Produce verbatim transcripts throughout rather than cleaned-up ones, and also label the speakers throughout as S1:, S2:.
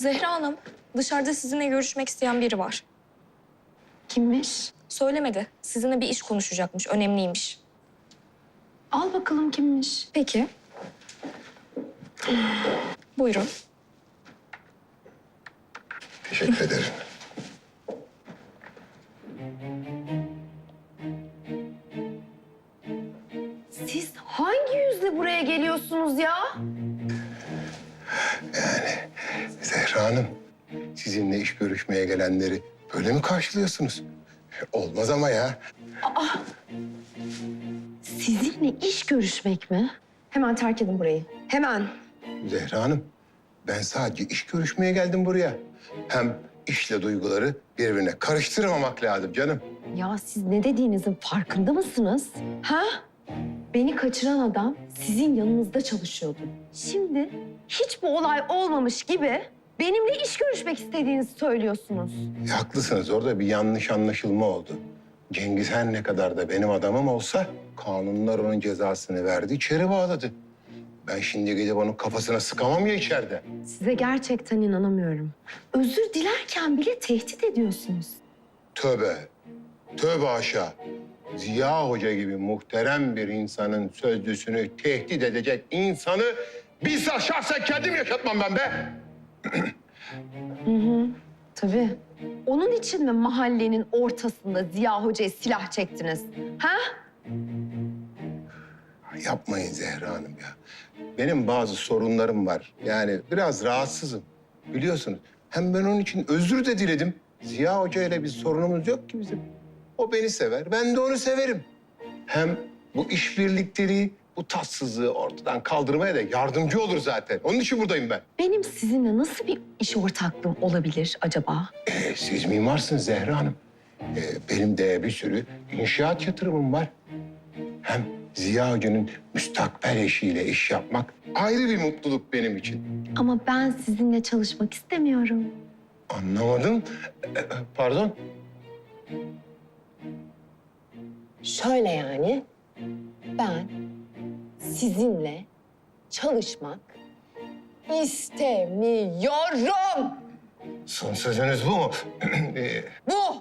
S1: Zehra Hanım, dışarıda sizinle görüşmek isteyen biri var.
S2: Kimmiş?
S1: Söylemedi. Sizinle bir iş konuşacakmış, önemliymiş.
S2: Al bakalım kimmiş?
S1: Peki. Buyurun.
S3: Teşekkür ederim.
S2: Siz hangi yüzle buraya geliyorsunuz ya?
S3: Zehra Hanım, sizinle iş görüşmeye gelenleri böyle mi karşılıyorsunuz? Olmaz ama ya.
S2: Sizinle iş görüşmek mi? Hemen terk edin burayı. Hemen.
S3: Zehra Hanım, ben sadece iş görüşmeye geldim buraya. Hem işle duyguları birbirine karıştırmamak lazım canım.
S2: Ya siz ne dediğinizin farkında mısınız? Ha? Beni kaçıran adam sizin yanınızda çalışıyordu. Şimdi hiç bu olay olmamış gibi benimle iş görüşmek istediğinizi söylüyorsunuz.
S3: E, haklısınız, orada bir yanlış anlaşılma oldu. Cengiz her ne kadar da benim adamım olsa kanunlar onun cezasını verdi, içeri bağladı. Ben şimdi gidip onun kafasına sıkamam ya içeride.
S2: Size gerçekten inanamıyorum. Özür dilerken bile tehdit ediyorsunuz.
S3: Tövbe, tövbe aşağı. Ziya Hoca gibi muhterem bir insanın sözlüsünü tehdit edecek insanı bizzat şahsen kendim yaşatmam ben be.
S2: Hı hı, tabii. Onun için mi mahallenin ortasında Ziya Hoca'ya silah çektiniz? Ha?
S3: Yapmayın Zehra Hanım ya. Benim bazı sorunlarım var. Yani biraz rahatsızım. Biliyorsunuz. Hem ben onun için özür de diledim. Ziya Hoca ile bir sorunumuz yok ki bizim. O beni sever, ben de onu severim. Hem bu işbirlikteliği, bu tatsızlığı ortadan kaldırmaya da yardımcı olur zaten. Onun için buradayım ben.
S2: Benim sizinle nasıl bir iş ortaklığım olabilir acaba?
S3: Ee, siz mimarsınız Zehra Hanım. Ee, benim de bir sürü inşaat yatırımım var. Hem Ziya Hoca'nın müstakbel eşiyle iş yapmak ayrı bir mutluluk benim için.
S2: Ama ben sizinle çalışmak istemiyorum.
S3: Anlamadım. Ee, Pardon?
S2: Şöyle yani, ben sizinle çalışmak istemiyorum.
S3: Son sözünüz bu mu? Ee,
S2: Bu.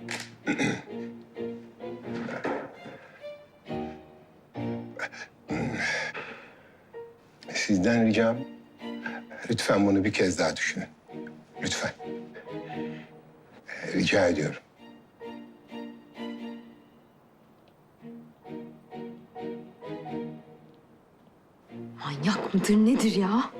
S3: Sizden ricam, lütfen bunu bir kez daha düşünün. Lütfen. Ee, Rica ediyorum.
S2: Manyak mıdır nedir ya?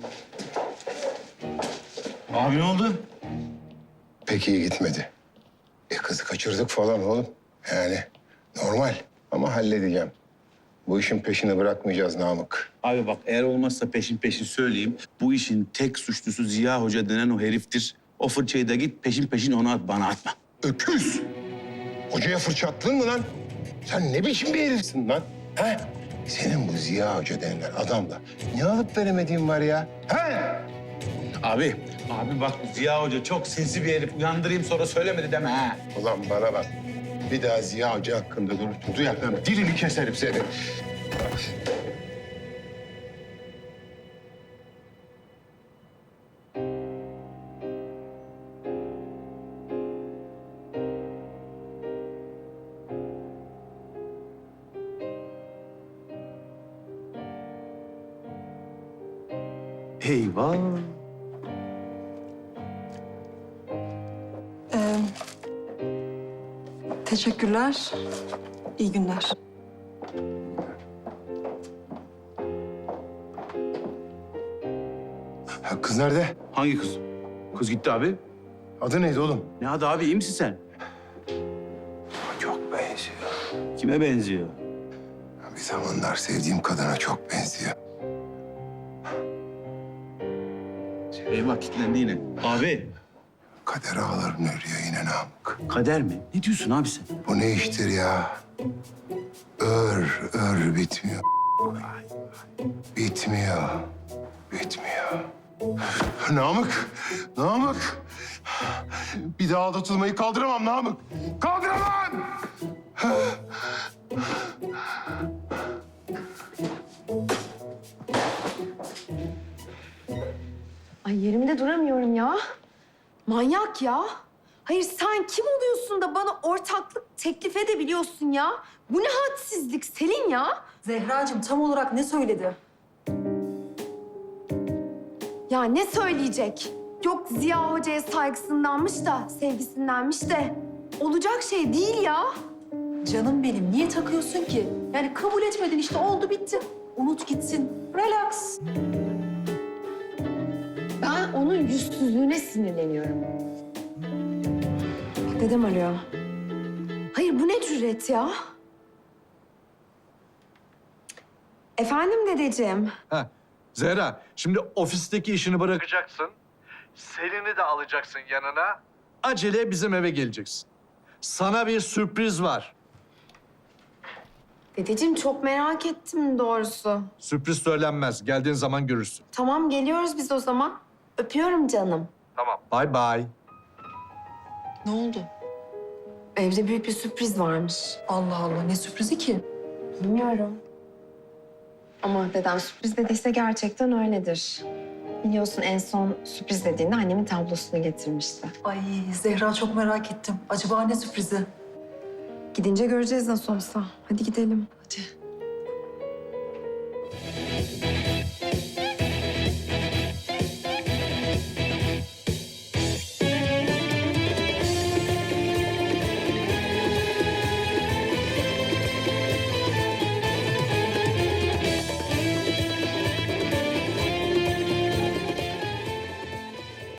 S4: Abi ne oldu?
S3: Pek iyi gitmedi. E kızı kaçırdık falan oğlum. Yani normal ama halledeceğim. Bu işin peşini bırakmayacağız Namık.
S4: Abi bak eğer olmazsa peşin peşin söyleyeyim. Bu işin tek suçlusu Ziya Hoca denen o heriftir. O fırçayı da git peşin peşin ona at, bana atma.
S3: Öküz! Hocaya fırça attın mı lan? Sen ne biçim bir herifsin lan? He? Senin bu Ziya Hoca denilen adamla ne alıp veremediğin var ya? He?
S4: Abi, abi bak Ziya Hoca çok sinsi bir herif. Uyandırayım sonra söylemedi deme ha.
S3: Ulan bana bak. Bir daha Ziya Hoca hakkında dur, duyarsan dilini keserim seni.
S4: Eyvah.
S5: Ee, teşekkürler. İyi günler.
S3: Ha, kız nerede?
S4: Hangi kız? Kız gitti abi.
S3: Adı neydi oğlum?
S4: Ne adı abi, iyi misin sen?
S3: Çok benziyor.
S4: Kime benziyor?
S3: Ya bir zamanlar sevdiğim kadına çok benziyor.
S4: Eyvah kilitlendi yine. Abi,
S3: Kader ağlarını örüyor yine Namık.
S4: kader mi? Ne diyorsun abi sen?
S3: Bu ne iştir ya? Ör, ör bitmiyor. Bitmiyor. Bitmiyor. Namık, Namık. Bir daha aldatılmayı kaldıramam Namık. Kaldıramam!
S2: Ay yerimde duramıyorum ya. Manyak ya. Hayır sen kim oluyorsun da bana ortaklık teklif edebiliyorsun ya? Bu ne hadsizlik Selin ya?
S5: Zehracığım tam olarak ne söyledi?
S2: Ya ne söyleyecek? Yok Ziya Hoca'ya saygısındanmış da sevgisindenmiş de. Olacak şey değil ya.
S5: Canım benim niye takıyorsun ki? Yani kabul etmedin işte oldu bitti. Unut gitsin. Relax.
S2: Ben onun yüzsüzlüğüne sinirleniyorum. Bak dedem arıyor. Hayır bu ne cüret ya? Efendim dedeciğim.
S6: Ha, Zehra, şimdi ofisteki işini bırakacaksın. Selin'i de alacaksın yanına. Acele bizim eve geleceksin. Sana bir sürpriz var.
S2: Dedeciğim çok merak ettim doğrusu.
S6: Sürpriz söylenmez. Geldiğin zaman görürsün.
S2: Tamam geliyoruz biz o zaman. Öpüyorum canım.
S6: Tamam. Bye bye.
S5: Ne oldu?
S2: Evde büyük bir sürpriz varmış.
S5: Allah Allah ne sürprizi ki?
S2: Bilmiyorum. Ama dedem sürpriz dediyse gerçekten öyledir. Biliyorsun en son sürpriz dediğinde annemin tablosunu getirmişti.
S5: Ay Zehra çok merak ettim. Acaba ne sürprizi?
S2: Gidince göreceğiz nasıl olsa. Hadi gidelim.
S5: Hadi.